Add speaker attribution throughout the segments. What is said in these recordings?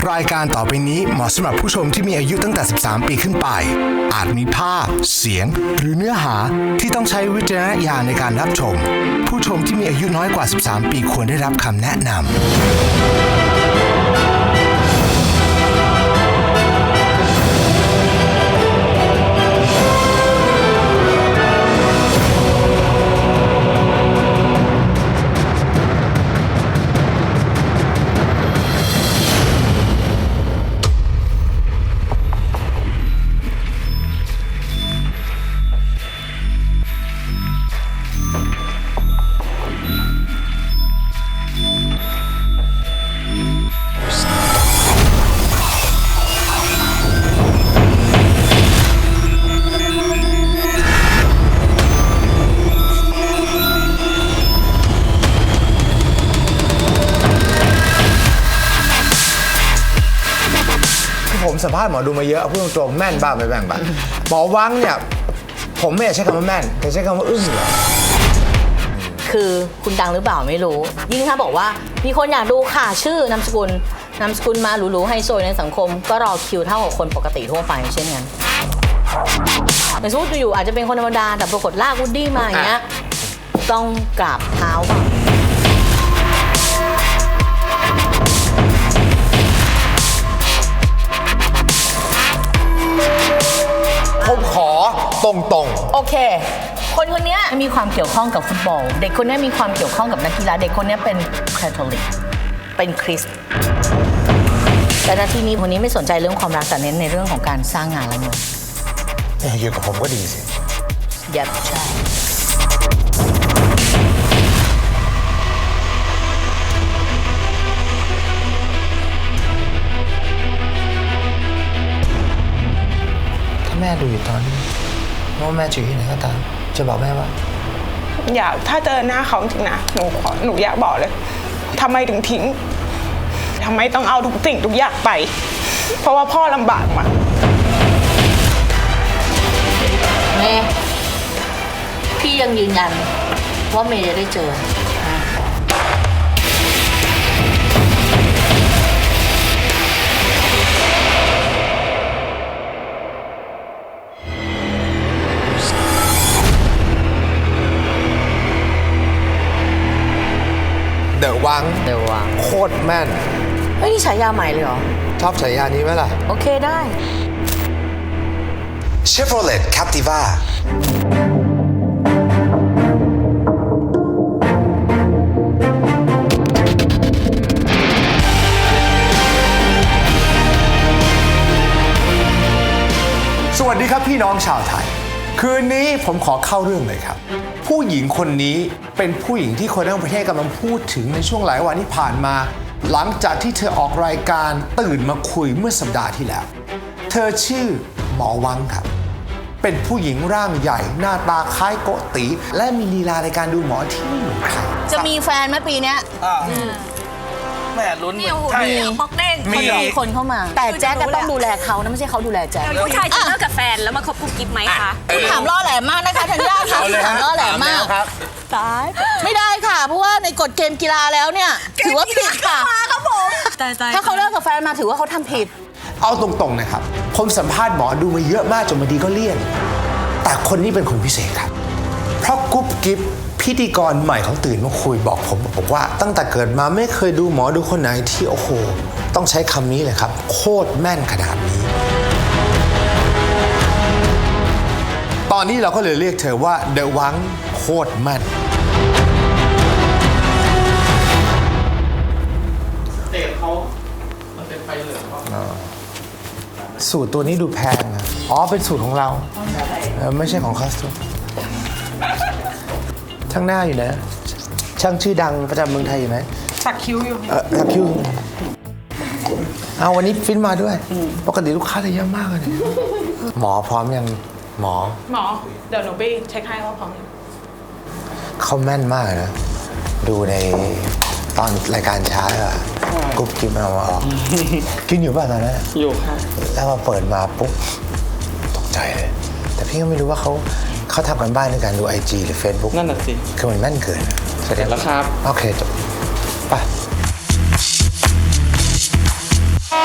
Speaker 1: รายการต่อไปนี้เหมาะสำหรับผู้ชมที่มีอายุตั้งแต่13 ปีขึ้นไปอาจมีภาพเสียงหรือเนื้อหาที่ต้องใช้วิจารณญาณในการรับชมผู้ชมที่มีอายุน้อยกว่า13 ปีควรได้รับคำแนะนำผมสัมภาษณ์หมอดูมาเยอะพูดตรงๆแม่นบ้างไม่แม่นบ้างหมอวังเนี่ยผมไม่อยากใช้คำว่าแม่นแต่ใช้คำว่าอึ้งเหรอ
Speaker 2: คือคุณดังหรือเปล่าไม่รู้ยิ่งถ้าบอกว่ามีคนอยากดูค่ะชื่อนามสกุลมาหรูๆไฮโซในสังคมก็รอคิวเท่ากับคนปกติทั่วไปเช่นกันแต่สมมติอยู่อาจจะเป็นคนธรรมดาแต่ปรากฏลากวูดดี้มาอย่างเงี้ยต้องกราบเท้าป่ะ
Speaker 1: ผมขอตรง
Speaker 2: ๆโอเคคนนี้มีความเกี่ยวข้องกับฟุตบอลเด็กคนนี้มีความเกี่ยวข้องกับนักกีฬาเด็กคนนี้เป็นคาทอลิกเป็นคริสต์แต่นาทีนี้คนนี้ไม่สนใจเรื่องความรักแต่เน้นในเรื่องของการสร้างงานและเงิน
Speaker 1: อยู่กับผมก็ดีสิ
Speaker 2: ยัดใช่
Speaker 1: ถ้าแม่ดูอยู่ตอนนี้ว่าแม่อยู่ที่ไหนก็ตามจะบอกแม่ว่า
Speaker 3: อยากถ้าเจอหน้าเขาจริงนะหนูอยากบอกเลยทำไมถึงทิ้งทำไมต้องเอาทุกสิ่งทุกอย่างไปเพราะว่าพ่อลำบากมา
Speaker 2: เมย์พี่ยังยืนยันว่าเมย์จะได้เจอ
Speaker 1: เดอะวังโคตรแม่น
Speaker 2: เฮ้ยนี่ฉายาใหม่เลยเหรอ
Speaker 1: ชอบฉายานี้ไหมล่ะ
Speaker 2: โอเคได้
Speaker 1: Chevrolet Captivaสวัสดีครับพี่น้องชาวไทยคืนนี้ผมขอเข้าเรื่องเลยครับผู้หญิงคนนี้เป็นผู้หญิงที่คนทั้งประเทศกำลังพูดถึงในช่วงหลายวันที่ผ่านมาหลังจากที่เธอออกรายการตื่นมาคุยเมื่อสัปดาห์ที่แล้วเธอชื่อหมอวังครับเป็นผู้หญิงร่างใหญ่หน้าตาคล้ายโกติและมีลีลาในการดูหมอที่ไม่เหมือนใคร
Speaker 2: จะมีแฟนไหมปีนี้
Speaker 4: แม่ลุ้น
Speaker 2: ใช่พกเด้งมีคนเข้ามาแต่แจ๊กก็ต้องดูแลเขานะไม่ใช่เขาดูแลแจ๊ก
Speaker 5: ผู้ชายจะเลิกกับแฟนแล้วมาคบกุ๊กกิ๊บไหมคะ
Speaker 2: คุณถามล่อแหลมมากนะคะธัญญาค่ะถามล่อแหลมมากตายไม่ได้ค่ะเพราะว่าในกฎเกมกีฬาแล้วเนี่ยถือว่าผิดค่ะ
Speaker 5: ครับผม
Speaker 2: ถ้าเขาเลิกกับแฟนมาถือว่าเขาทำผิด
Speaker 1: เอาตรงๆนะครับผมสัมภาษณ์หมอดูมาเยอะมากจนบางทีก็เลี่ยนแต่คนนี้เป็นคนพิเศษครับเพราะกุ๊บกิ๊บพิธีกรใหม่ของตื่นมาคุยบอกว่าตั้งแต่เกิดมาไม่เคยดูหมอดูคนไหนที่โอ้โหต้องใช้คำนี้เลยครับโคตรแม่นขนาดนี้ตอนนี้เราก็เลยเรียกเธอว่าเดอะวังโคตรแม่น
Speaker 4: เตะเขามันเป็นไฟเหลือง
Speaker 1: สูตรตัวนี้ดูแพงนะอ๋อเป็นสูตรของเราไม่ใช่ของคอสตูมช่างหน้าอยู่นะช่างชื่อดังประจำเมืองไทยอยู่ไหม
Speaker 3: สักคิ้วอยู่
Speaker 1: สักคิ้วเอาวันนี้ฟินมาด้วยปกติลูกค้าจะเยอะมากเลยหมอพร้อมยังหมอ
Speaker 3: เดี๋ยวหนูไปเช็คให้ว่าพร้อมยัง
Speaker 1: เขาแม่นมากนะดูในตอนรายการช้าอะกุ๊บกิ๊บเอามาออกกินอยู่ป่ะตอนนั้น
Speaker 4: อยู่ค่ะ
Speaker 1: แล้วมาเปิดมาปุ๊บตกใจเลยแต่พี่ก็ไม่รู้ว่าเขาทำกันบ้านในการดู IG หรือ Facebook
Speaker 4: นั่นน่ะสิ
Speaker 1: คือมันแม่นเกิน
Speaker 4: เสร็จแล้วครับ
Speaker 1: โอเคจบไป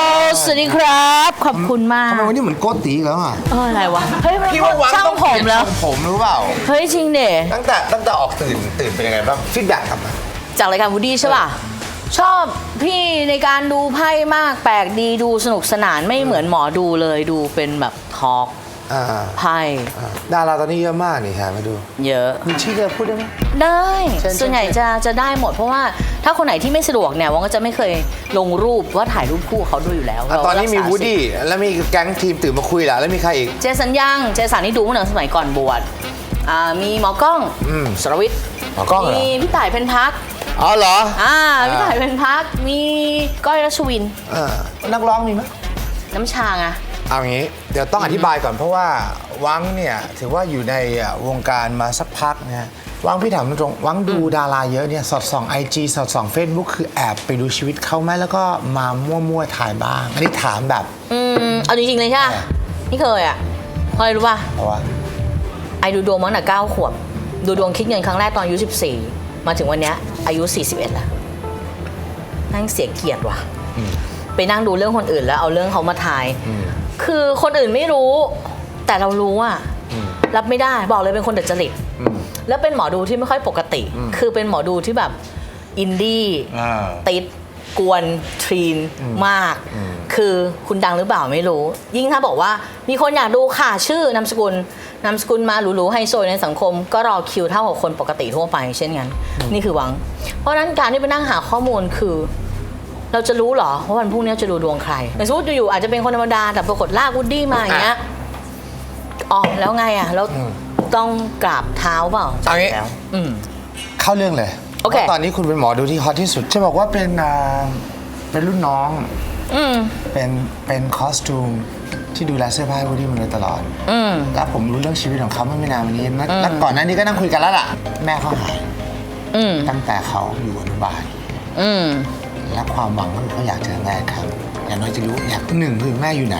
Speaker 2: สวัสดีครับขอบคุณมาก
Speaker 1: ทำไมวันนี้เหมือนโกติอีกแล้วอ่ะ
Speaker 2: อะไรวะเฮ้ยมัน
Speaker 1: พี่ว่าวัง
Speaker 2: ช่าง
Speaker 1: ต้อง
Speaker 2: ผมแล้ว
Speaker 1: ผมรู้เปล่า
Speaker 2: เฮ้ยจริงเด
Speaker 1: ตั้งแต่ออกตื่นเป็นยังไงบ้างฟีดแบ็กกลับมา
Speaker 2: จากรายการวูดดี้ใช่ป่ะชอบพี่ในการดูไพ่มากแปลกดีดูสนุกสนานไม่เหมือนหมอดูเลยดูเป็นแบบทอล์ก
Speaker 1: อ่า
Speaker 2: ไพ่
Speaker 1: ดาราตอนนี้เยอะมากนี่ค่ะมาดู
Speaker 2: เยอะ
Speaker 1: มีชื่อจะพูดได้ไหม
Speaker 2: ได้
Speaker 1: เชิญ
Speaker 2: ส่วนใหญ่จะได้หมดเพราะว่าถ้าคนไหนที่ไม่สะดวกเนี่ยวังก็จะไม่เคยลงรูปว่าถ่ายรูปคู่เขาด้วยอยู่แล้ว
Speaker 1: อ่ะตอนนี้มี
Speaker 2: เรารักษา
Speaker 1: วูดดี้แล้วมีแก๊งทีมตื่นมาคุยแล้วแล้วมีใครอีก
Speaker 2: เจสันยังเจสันนี่ดูเมื่อสมัยก่อนบวชมีหมอกล้อง
Speaker 1: อืม
Speaker 2: สรวิทย์
Speaker 1: หมอกล้องเหรอ
Speaker 2: มีพี่ต่ายเพ็ญพัก
Speaker 1: อ๋อเหรอ
Speaker 2: พี่ต่ายเพ็ญพักมีก้อยรัชวิน
Speaker 1: นักร้องมีไหม
Speaker 2: น้ำชาไง
Speaker 1: เอางี้เดี๋ยวต้องอธิบายก่อนเพราะว่าวังเนี่ยถือว่าอยู่ในวงการมาสักพักนะฮะวังพี่ถามตรงๆวังดูดาราเยอะเนี่ยสอดส่อง IG สอดส่อง Facebook คือแอบไปดูชีวิตเขาไหมแล้วก็มามั่วๆถ่ายบ้าง อันนี้ถามแบบ
Speaker 2: เอาจริงๆเลยใช่ไหมนี่เคยอ่ะเพราะอะไรรู้ป่ะ
Speaker 1: เพราะว่า
Speaker 2: ไอดูดวงมาตั้งแต่9 ขวบดูดวงคิดเงินครั้งแรกตอนอายุ 14 มาถึงวันเนี้ยอายุ 41 แล้วนั่งเสียเกียรติว่ะไปนั่งดูเรื่องคนอื่นแล้วเอาเรื่องเขามาทายคือคนอื่นไม่รู้แต่เรารู้อ่ะรับไม่ได้บอกเลยเป็นคนดัดจริตแล้วเป็นหมอดูที่ไม่ค่อยปกติ คือเป็นหมอดูที่แบบอินดี้ติดกวนทรีนมาก คือคุณดังหรือเปล่าไม่รู้ ยิ่งถ้าบอกว่ามีคนอยากดูค่ะชื่อนามสกุลมาหรูๆไฮโซในสังคม ก็รอคิวเท่ากับคนปกติทั่วไปเช่นกันนี่คือหวัง เพราะฉะนั้นการที่ไปนั่งหาข้อมูลคือ เราจะรู้เหรอว่าวันพรุ่งนี้จะดูดวงใครแต่สมมติอยู่ๆอาจจะเป็นคนธรรมดาแต่ปรากฏลากวูดดี้มาอย่างเงี้ยอ๋อแล้วไงอ่ะแล้วต้องกราบเท้าเปล่า
Speaker 1: เอางี้
Speaker 2: แล้ว
Speaker 1: เข้าเรื่องเลย
Speaker 2: โอเค
Speaker 1: พราะตอนนี้คุณเป็นหมอดูที่ฮอตที่สุดจะบอกว่าเป็นรุ่นน้องเป็นคอสตูมที่ดูแลเสื้อผ้าให้วูดดี้มาโดยตลอดแล้วผมรู้เรื่องชีวิตของเขาเมื่อไม่นานมานี้แล้วก่อนหน้านี้ก็นั่งคุยกันแล้วล่ะแม่เขาหายตั้งแต่เขาอยู่อนุบาลและความหวังก็คือเขาอยากเจอแม่ครับอย่างน้อยจะรู้อยาก1คือแม่อยู่ไหน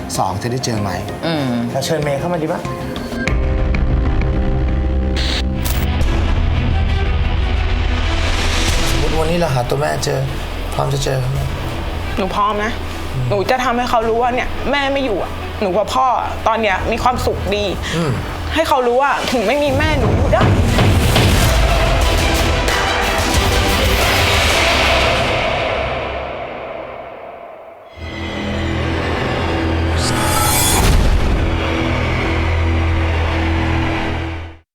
Speaker 1: 2จะได้เจอไหมเราเชิญเมย์เข้ามาดีปะสมมติวันนี้เราหาตัวแม่เจอพร้อมจะเจอเขาไหม
Speaker 3: หนูพร้อมนะ หนูจะทำให้เขารู้ว่าเนี่ยแม่ไม่อยู่อะหนูกับพ่อตอนเนี้ยมีความสุขดี ให้เขารู้ว่าถึงไม่มีแม่หนูอยู่ได้